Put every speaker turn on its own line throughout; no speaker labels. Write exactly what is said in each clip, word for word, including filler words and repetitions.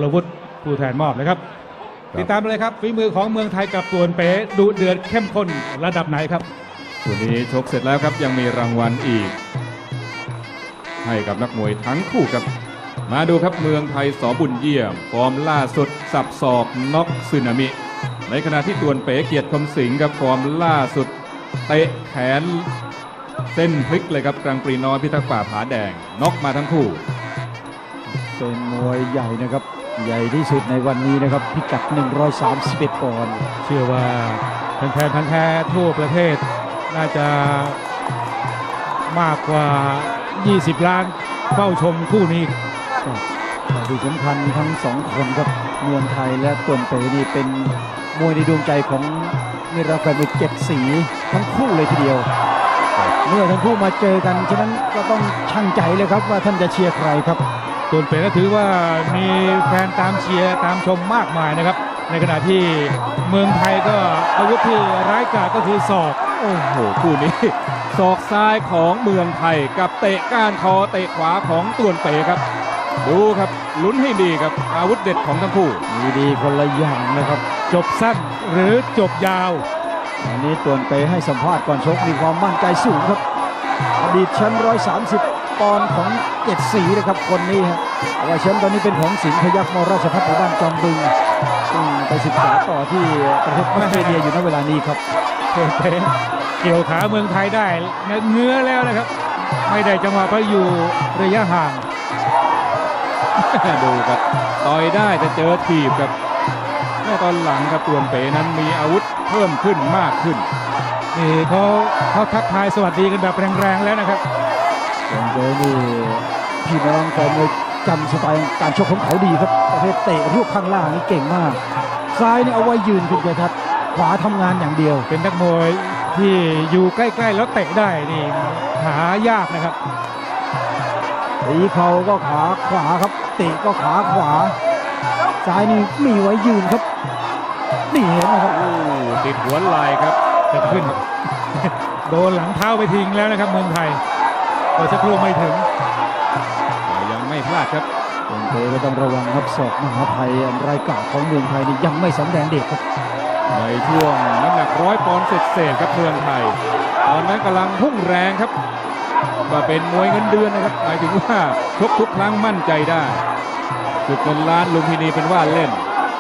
รวุฒิผู้แทนมอบเลยครับติดตามเลยครับฝีมือของเมืองไทยกับตวนเป๋ดุเดือดเข้มข้นระดับไหนครับ
คู่นี้ชกเสร็จแล้วครับยังมีรางวัลอีกให้กับนักมวยทั้งคู่ครับมาดูครับเมืองไทยสอบุญเยี่ยมฟอร์มล่าสุดสับศอกน็อกสึนามิในขณะที่ตวนเป๋เกียรติคมสิงห์กับฟอร์มล่าสุดเตะแขนเส้นพลิกเลยครับกลางปรีน้อยพิทักษ์ป่าผาแดงน็อกมาทั้งคู่
เป็นมวยใหญ่นะครับใหญ่ที่สุดในวันนี้นะครับพิกัดหนึ่งร้อยสามสิบเอ็ดปอนด์
เชื่อว่าแฟนๆพันธุ์แท้ทั่วประเทศน่าจะมากกว่ายี่สิบล้านเฝ้าชมคู่นี้
แต่ที่สำคัญทั้งสองคนครับเมืองไทยและตวนเป๋นี่เป็นมวยในดวงใจของนิรันดร์แฟนมวยเจ็ดสีทั้งคู่เลยทีเดียวเมื่อทั้งคู่มาเจอกันฉะนั้นก็ต้องชั่งใจเลยครับว่าท่านจะเชียร์ใครครับ
ตวนเป๋ก็ถือว่ามีแฟนตามเชียร์ตามชมมากมายนะครับในขณะที่เมืองไทยก็อาวุธที่ร้ายกาจก็คือศอก
โอ้โหคู่นี้ศอกซ้ายของเมืองไทยกับเตะก้านคอเตะขวาของตวนเป๋ครับดูครับลุ้นให้ดีครับอาวุธเด็ดของทั้งคู่
มีดีคนละอย่างนะครับ
จบสั้นหรือจบยาว
อันนี้ตวนเป๋ให้สัมภาษณ์ก่อนชกมีความมั่นใจสูงครับอดีตแชมป์หนึ่งร้อยสามสิบปอนด์ของเจ็ดสีนะครับคนนี้ฮะว่าแชมป์ตอนนี้เป็นของสิงห์พยัคฆ์มราชภัฏหมู่บ้านจอมบึงซึ่งไปศึกษาต่อที่ประเทศออสเตรเลียอยู่ในเวลานี้ครับ
ตวนเป๋เกี่ยวขาเมืองไทยได้เงื้อแล้วนะครับไม่ได้จังหวะเพราะอยู่ระยะห่าง
ดูครับต่อยได้แต่เจอถีบครับแม่ตอนหลังครับตวนเป๋นั้นมีอาวุธเพิ่มขึ้นมากขึ้น
นี่เขาเขาทักทายสวัสดีกันแบบแรงๆแล้วนะครับ
ตวนเป๋นี่พี่น้องแฟนมวยจำสไตล์การชกของเขาดีครับประเภทเตะรูปข้างล่างนี่เก่งมากซ้ายนี่เอาไว้ยืนคุณเจทัศน์ขวาทำงานอย่างเดียว
เป็นนักมวยที่อยู่ใกล้ๆแล้วเตะได้นี่หายากนะครับ
ตีเข่าก็ขาขวาครับเตะก็ขาขวาซ้ายนี่มีไว้ยืนครับนี่เห็นไหมครับ
โอ้ติดหัวไหล่ครับ
จะขึ้นโดนหลังเท้าไปทิ้งแล้วนะครับเมืองไทยก็จะกลัวไม่ถึง
ยังไม่พลาดครับ
ตวนเป๋ก็ต้องระวังครับศอกมหาภัยอันรายกาจของเมืองไทยนี่ยังไม่สำแดงเด็กครับ
ในช่วงน้ำหนักร้อยปอนด์เศษๆครับเมืองไทยตอนนั้นกำลังพุ่งแรงครับว่าเป็นมวยเงินเดือนนะครับหมายถึงว่าชกทุกครั้งมั่นใจได้จุดเงินล้านลุมพินีเป็นว่าเล่น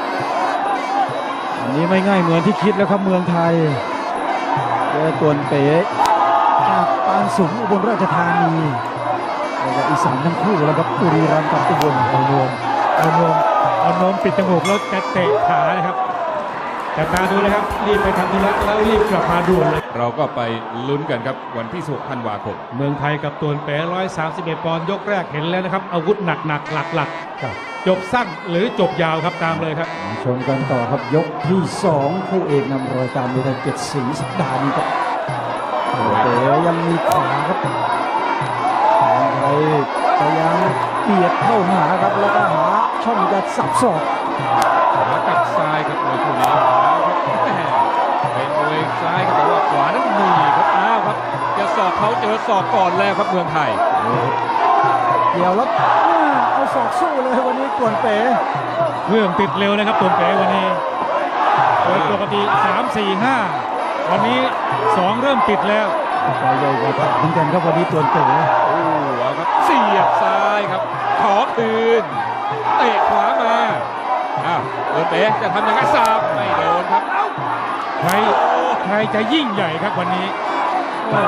อันนี้ไม่ง่ายเหมือนที่คิดแล้วครับเมืองไทยเจอตวนเป๋จากปานสูงอุบลราชธานีแล้วก็อีสานทั้งคู่แล้วครับบุรีรัมย์กับอุบลเอาโนม
เอาโนมเอาโนมปิดจมูกแล้วจะเตะขานะครับแต่ตาดูเลยครับรีบไปทำธุระแล้วรีบกลับมาด่วนเลย
เราก็ไปลุ้นกันครับวันที่สิบหกธันวาคม
เมืองไทยกับตวนเป๋หนึ่งร้อยสามสิบเอ็ดปอนด์ยกแรกเห็นแล้วนะครับอาวุธหนักๆหลักๆจบสั้นหรือจบยาวครับตามเลยครับ
ชมกันต่อครับยกที่สองคู่เอกนำรายการมวยไทยเจ็ดสีสัปดาห์นี้ครับเป๋ยังมีขวาครับเมืองไทยพยายามเบียดเข้าหาครับแล้วก็หาช่องจะสับศอก
ขวากับซ้ายครับมวยคู่นี้เป็นมวยซ้ายครับแต่ว่าขวานั้นมีครับอ้าวครับจะสอบเขาเจอสอบก่อนแล้วครับเมืองไทย
เกี่ยวแล้วเอาศอกสู้เลยวันนี้ตวนเป๋
เครื่องติดเร็วนะครับตวนเป๋วันนี้โดยปกติสาม สี่ ห้าวันนี้สองเริ่มติดแล้ว
ใจใหญ่กว่าเหมือนกันครับวันนี้ตวนเป๋
โอ้ครับเสียบซ้ายครับขอคืนเตะขวามาอ้าวตวนเป๋จะทำยังไงสาบไม่โดนครับ
ใครใครจะยิ่งใหญ่ครับวันนี้
โอ้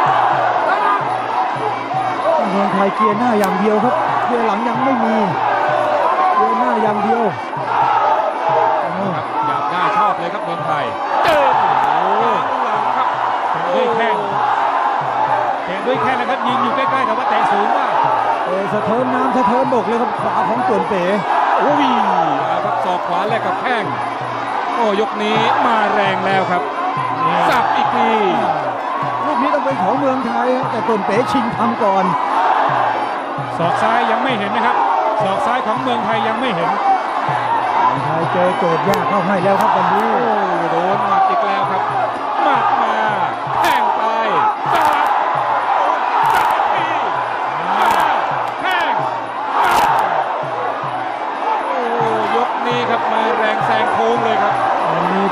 เมืองไทยเกียร์หน้าอย่างเดียวครับเกียร์หลังยังไม่มีเกียร์หน้าอย่างเดียว
ครับอยากหน้าชอบเลยครับเมืองไทยเจอโอ้หลังครับ
ด้วยแข้งแตะด้วยแข้งนะครับยิงอยู่ใกล้ๆแต่ว่าแตะสูงมาก
เออสะเทินน้ำสะเทินบกเลยครับขวาของตวนเป๋
โอ้ยครับศอกขวาแลกกับแข้งโอ้ยกนี้มาแรงแล้วครับสับอีกที
ลูกนี้ต้องเป็นของเมืองไทยแต่ตวนเป๋ชิงทำก่อน
ศอกซ้ายยังไม่เห็นนะครับศอกซ้ายของเมืองไทยยังไม่เห็น
เมืองไทยเจอโจทย์ยากเข้าให้แล้วครับวันนี้
โอ้โดนหมัดอีกแล้วครับหมัดมาแข้งไปสับสับอีกทีแข้งโอ้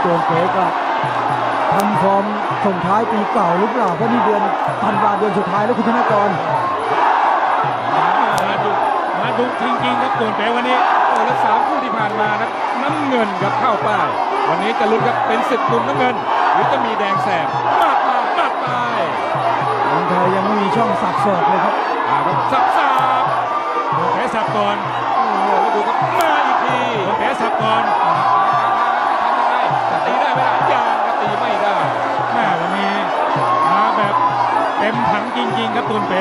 วนเป๋ก็ทำฟอร์มส่งท้ายปีเก่าหรือเปล่าเพราะนี่เดือนธันวาเดือนสุดท้ายแล้วคุณธนากร
มาดุมาดุจริงๆครับส่วนเป๋วันนี้
โอ้และสามคู่ที่ผ่านมานะน้ำเงินกับเข้าป้ายวันนี้จะลุ้นครับเป็นศึกมุมน้ำเงิน หรือจะมีแดงแสบมาดมามาดไป
เมืองไทยยังไม่มีช่องสับศอกเลยครับ
อ่าครับสับสับ
ส่วนเป๋สับก่อน
โอ้โหแล้วดูครับมาอีกที
ส่วนเป๋สับก่อน
ทำยังไงจะตีได้ไหมล่ะยังครับตีไม่ได้
แม่วันนี้มาแบบเต็มถังจริงๆครับส่วนเป๋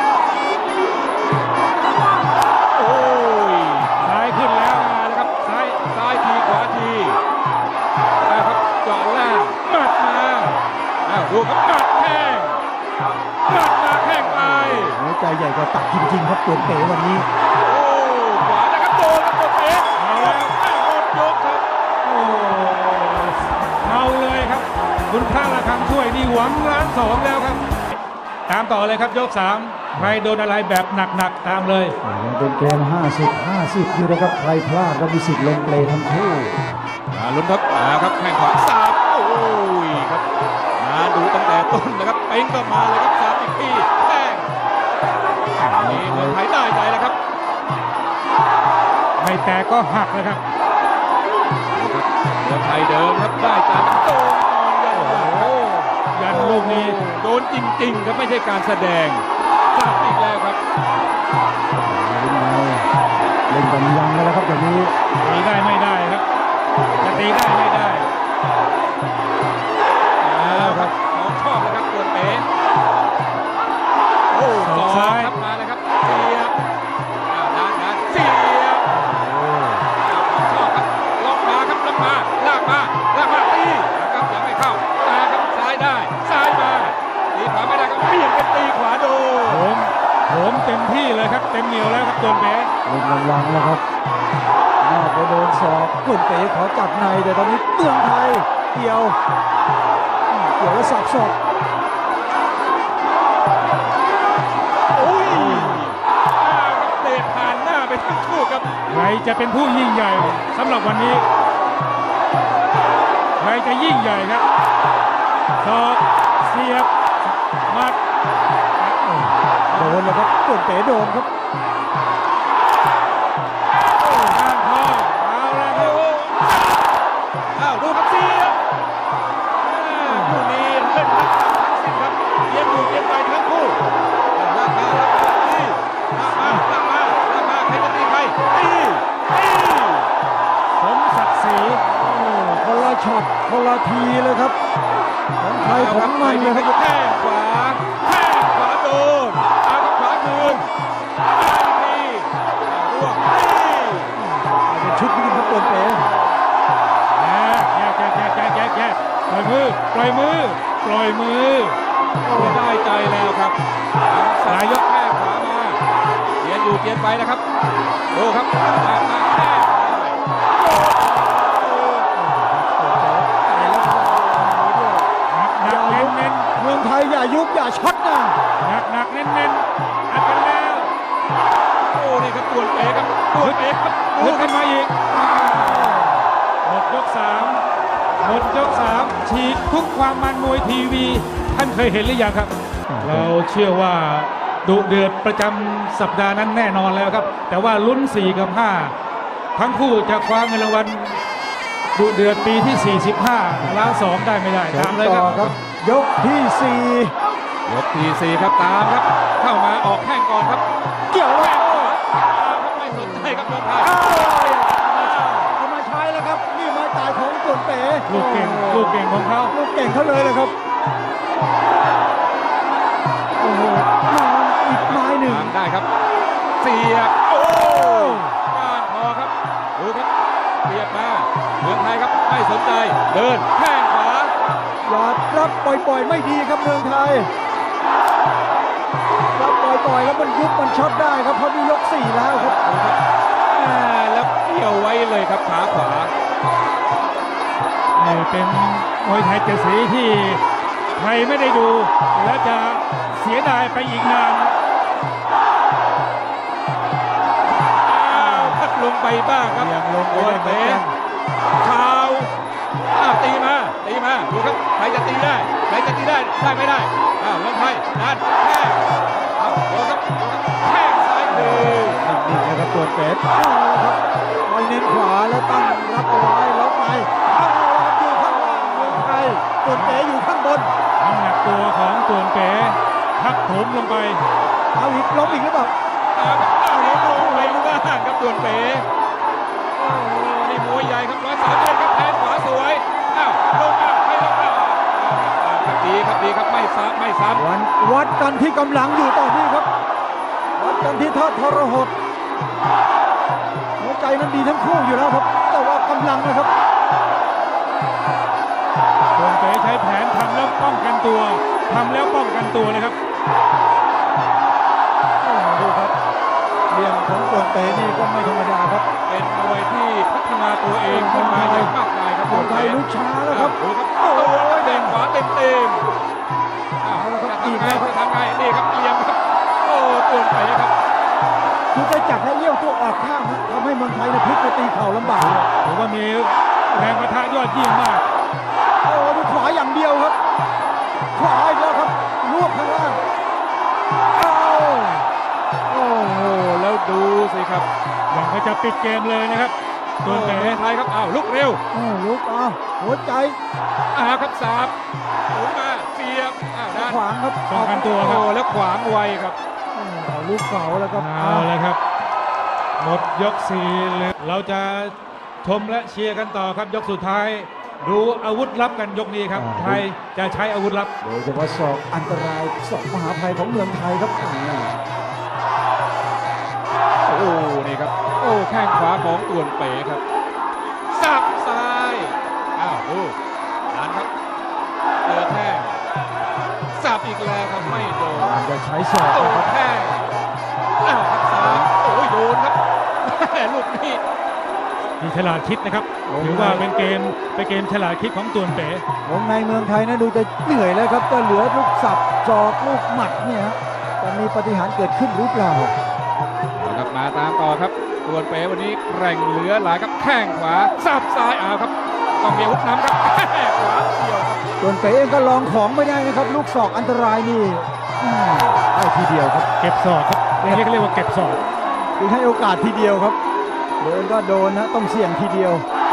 โอ้ย
ซ้ายขึ้นแล้ว
มาแล้วครับซ้ายซ้ายทีขวาทีนะครับเจาะล่างหมัดมาอ้าวดูครับหมัดแข้งหมัดมาแข้งไป
หัวใจใหญ่กว่าตักจริงๆครับส่วนเป๋วันนี้
โอ้ขวานะครับโดนครับกดเอ๊ะเอาแล้วอ้าวหมดยกครับ
โอ้เอาเลยครับคุณพระระฆังช่วยนี่หวังล้านสองแล้วครับ ตามต่อเลยครับยกสามใครโดนอะไรแบบหนักๆตามเลย
ยังเป็นเกม ห้าสิบ ห้าสิบ อยู่นะครับ ใครพลาดก็มีสิทธิ์ลงเปลทั้งคู่
มาลุ้นครับมาครับแข้งขวาสาบโอ้ยครับมาดูตั้งแต่ต้นนะครับเป้งก็มาเลยครับสาบอีกทีแข้งนี่เมืองไทยได้ใจแล้วครับ
ไม่แตกก็หักเลยครับ
เมืองไทยเดิมครับได้ใจโดนยัน
โอ้โหยันลูกนี้
โดนจริงๆครับไม่ใช่การแสดงสาบอีกแล้วครับ
เล่นกันยังกันแล้วครับอย่างนี้
ตีได้ไม่ได้ครับ จะตีได้ไม่ได้
เอาครับของชอบเลยครับตัวเป๋โอ้
ศ
ส
อ
อก ง
ซ้าย
ครับมาเลยครับเสียบอ้าวด้านด้านเสียบอ้าวของชอบครับล็อกมาครับล็อกมาลากมาลากมาตีนะครับยังไม่เข้ามาครับซ้ายได้ซ้ายมาตีขวาไม่ได้ก็เปลี่ยนเป็นตีขวาโดน
ผมผมเต็มที่เลยครับ เต็มเหนียวแล้วครับตัวเป๋
เล่นระวังแล้วครับน่าจะโดนศอกส่วนเป๋ขอจับในแต่ตอนนี้เมืองไทยเกี่ยวเกี่ยวแล้วสับศอก
โอ้ยอ้าวครับเตะผ่านหน้าไปทั้งคู่ครับ
ใครจะเป็นผู้ยิ่งใหญ่สำหรับวันนี้ ใครจะยิ่งใหญ่ครับศอกเสียบหมัด
โดนเลยครับส่วนเป๋โดนครับ
ข้างคอเอาละครับ
อ้าวดูครับเสียบอ่าคู่นี้เล่นรักทั้งสิ้นครับเย็นอยู่เย็นไปทั้งคู่ลากมาลากมาตีลากมาลากมาลากมาใครจะตีใครตีตี
สมศักดิ์ศรี
โอ้คนละช็อตคนละทีเลยครับของไทยของมันเลยครับ
แข้งขวาแข้งขวาโดนเอาครับขวาคืนมาอีกทีร่วงตี
เป็นชุดนี้ครับส่วนเป๋
แยกแยกแยกแยกแยกแยกปล่อยมือปล่อยมือปล่อยมือ
โอ้ได้ใจแล้วครับสายยกแข้งขวามาเกียนอยู่เกียนไปนะครับดูครับมามาแข้ง
หนักหนักเน้นเน้น
เมืองไทยอย่ายุบอย่าช็อตนะ
หนักหนักเน้นเน้นอัดกันแล้ว
โอ้นี่ครับตัวเป๋ครับตัวเป๋ครับ
ลุกขึ้นมาอีกหมดยกสามหมดยกสามฉีกทุกความมันมวยทีวี ท่านเคยเห็นหรือยังครับ เราเชื่อว่าดุเดือดประจำสัปดาห์นั้นแน่นอนแล้วครับ แต่ว่าลุ้นสี่กับห้าทั้งคู่จะคว้าเงินรางวัลดุเดือดปีที่ สี่สิบห้า ล้านสองได้ไม่ได้
เชิ
ตาม
ญ
เลย
ต่
ค
อ
รับ
ครับ ยกที่สี่
ยกที่สี่ครับตามครับ เข้ามาออกแข้งก่อนครับ
เกี่ยวแล้ว
แข้งขวาตามครับไม่สนใจครับเมืองไทย
เอามาใช้แล้วครับนี่ไม้ตายของส่วนเป๋
ลูกเก่งลูกเก่งของเขา
ลูกเก่งเขาเลยเลยครับโอ้โหมาอีกไม้หนึ่ง
ตามได้ครับ เสียบโอ้ก้านคอครับดูครับเสียบมาเมืองไทยครับไม่สนใจเดินแข้งขวา
อย่ารับปล่อยๆไม่ดีครับเมืองไทยรับปล่อยๆแล้วมันยุบมันช็อตได้ครับเพราะนี่ยกสี่แล้วครับ
อ่าแล้วเกี่ยวไว้เลยครับขาขวา
นี่เป็นมวยไทยเจ็ดสีที่ใครไม่ได้ดู และจะเสียดายไปอีกนาน
อ้าวพัดลงไปบ้างครับ
ยังลงไป
โดน
ได้เหมือน
เตะ
กัน
เท้าอ้าวตีมาตีมาดูครับใครจะตีได้ใครจะตีได้ได้ไม่ได้อ้าวเมืองไทยนันแค่อ้าวโดนครับโดนครับแข้งซ้ายคืน
นี่นะครับตัวเป็ดเอาละครับคอยเน้นขวาแล้วตั้งรับเอาไว้ล็อกในเอาละครับอยู่ข้างล่างเมืองไทยตัวเป๋อยู่ข้างบน
น้ำหนักตัวของต่วนเป๋ทับถมลงไป
เอาอีกล้มอีกหรือเปล่า
อ้าวอ้าวแล้วลงไปลูกล่างครับต่วนเป๋โอ้โหนี่มวยใหญ่ครับร้อยสามเอ็ดครับแทงขวาสวยอ้าวลงอ้าวไม่ลงอ้าวอ้าวครับดีครับดีครับไม่ซ้ำไม่ซ้ำ
วันวัดกันที่กำลังอยู่ตอนนี้ครับ วัดกันที่ทอดทรหดหัวใจนั้นดีทั้งคู่อยู่แล้วครับ แต่ว่ากำลังนะครับ
ต่วนเป๋ใช้แผนทำแล้วป้องกันตัวทำแล้วป้องกันตัวเลยครับ
ดูครับเรียงของตัวเตะนี่ก็ไม่ธรรมดาครับ
เป็นมวยที่พัฒนาตัวเองขึ้นมาอย่างมากมายครับ
ตัวไทยลุกช้าแล้วครับ
ดูครับโอ้ยเด้งขวาเต็มเต็มๆอ้าว
เอาละครับ
จะ
อีก
ทำไง
แล้วครับ
จะทำไงนี่ครับเอียงครับโอ้ต่วนเป๋ครับ
คือจะจับให้เลี้ยวตัวออกข้างนะทำให้เมืองไทยนะพลิกไปตีเข่าลำบากเลย
ถือว่ามีแรงประทะยอดเยี่ยมมาก
โอ้ดูขวาอย่างเดียวครับ ขวาอีกแล้วครับรวบข้างล่างเอา
โอ้โหแล้วดูสิครับ
อย่างก็จะปิดเกมเลยนะครับต่วนเป๋
เมืองไทยครับอ้าวลุกเร็ว
โอ้ลุกเอาหัวใจ
อ้าวครับสาบหมุนมาเสียบอ้าวด้าน
ขวางครับ
ป้องกันตัวค
โอ้
รับ
แล้วขวางไวครับ
เอาลูกเก่าแล้วครับ
เอาเลยครับ หมดยกสี่เลยเราจะชมและเชียร์กันต่อครับยกสุดท้าย ดูอาวุธลับกันยกนี้ครับ ไทยจะใช้อาวุธลับ
โดยเฉพาะศอกอันตรายศอกมหาภัยของเมืองไทยครับอ่า
โอ้นี่ครับโอ้แข้งขวาของต่วนเป๋ครับสับซ้ายอ้าวดูดันครับเจอแท่งสับอีกแล้วครับไม่โดน
มันจะใช้ศอก
โอ้
นะครับ
แท่งอ้าวครับสามโอ้ยโดนครับแม่ลูกนี้
มีฉลาดคิดนะครับ ถือว่าเป็นเกมเป็นเกมฉลาดคิดของต่วนเป๋
วงในเมืองไทยนะดูจะเหนื่อยแล้วครับก็เหลือลูกสับจอกลูกหมัดเนี่ยฮะจะมีปาฏิหารย์เกิดขึ้นหรือเปล่า
นะครับมาตามต่อครับต่วนเป๋วันนี้แกร่งเหลือหลายครับแข้งขวาสับซ้ายอ้าวครับต้องมีอาวุธนำครับแข้งขวาเกี่ยวครับ
ส่วนเป๋เองก็ลองของไม่ได้นะครับ ลูกศอกอันตรายนี่อืมได้ทีเดียวครับ
เก็บศอกครับอย่างนี้ก็เรียกว่าเก็บศอก
คือให้โอกาสทีเดียวครับโดนก็โดนนะต้องเสี่ยงทีเดียว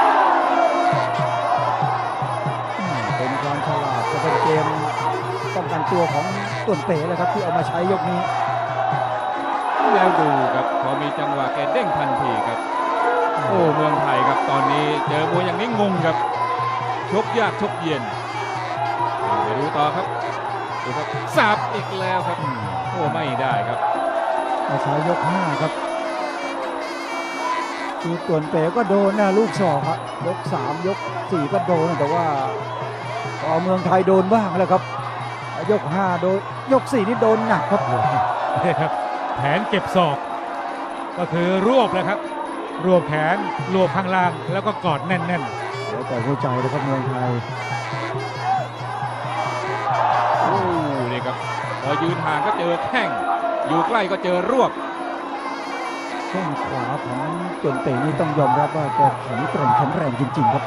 อืมเป็นความฉลาดและเป็นเกมป้องกันตัวของต่วนเป๋เลยครับที่เอามาใช้ยกนี้
แล้วดูครับพอมีจังหวะแกเด้งทันทีครับ โอ้เมืองไทยครับตอนนี้เจอมวยอย่างนี้งงครับชกยากชกเย็นไปดูต่อครับดูครับสับอีกแล้วครับอืมโอ้ไม่ได้ครับ
มาใช้ยกห้าครับคือต่วนเป๋ก็โดนนะลูกศอกครับยกสามยกสี่ก็โดนแต่ว่าพอเมืองไทยโดนบ้างแล้วครับยกห้าโดนยกสี่นี่โดนหนักครับ
นี่ครับแผนเก็บศอก ก็คือรวบเลยครับ รวบแขนรวบข้างล่างแล้วก็กอดแน่น
เดี๋ยวแต่หัวใจเลยครับเมืองไทย
โอ้นี่ครับพอยืนห่างก็เจอแข้งอยู่ใกล้ก็เจอรวบ
แข้งขวาของต่วนเป๋นี่ต้องยอมรับว่าแกแข็งแกร่งแข็งแรงจริงๆครับ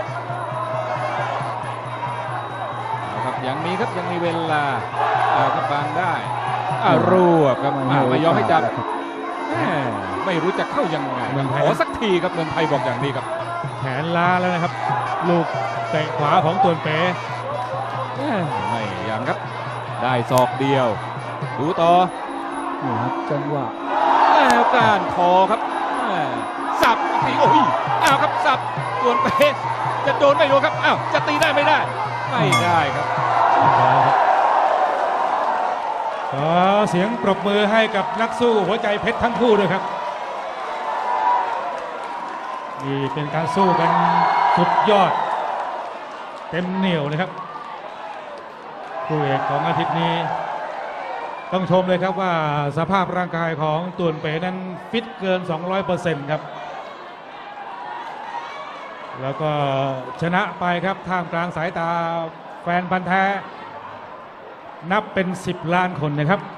เอาครับยังมีครับยังมีเวลาเอาครับบางได้อ่ารวบครับอ่าไม่ยอมให้จับแหมไม่รู้จะเข้ายังไงขอสักทีครับเมืองไทยบอกอย่างนี้ครับ
ๆ แขนล้าแล้วนะครับ ลูกเตะขวาของต่วนเป๋
แหมไม่ยังครับ ได้ศอกเดียว ดูต่อ
นี่ครับจังหวะ
แล้วการคอครับแหมสับอีกทีโอ้ยอ้าวครับสับส่วนเป๊ะจะโดนไม่โดนครับอ้าวจะตีได้ไม่ได้ ไม่ได้ครับ
ขอเสียงปรบมือให้กับนักสู้หัวใจเพชรทั้งคู่ด้วยครับนี่เป็นการสู้กันสุดยอด เต็มเหนียวนะครับคู่เอกของอาทิตย์นี้ ต้องชมเลยครับว่าสภาพร่างกายของต่วนเป๋นั้นฟิตเกิน สองร้อยเปอร์เซ็นต์ ครับ แล้วก็ชนะไปครับท่ามกลางสายตาแฟนพันธ์แท้นับเป็นสิบล้านคนนะครับ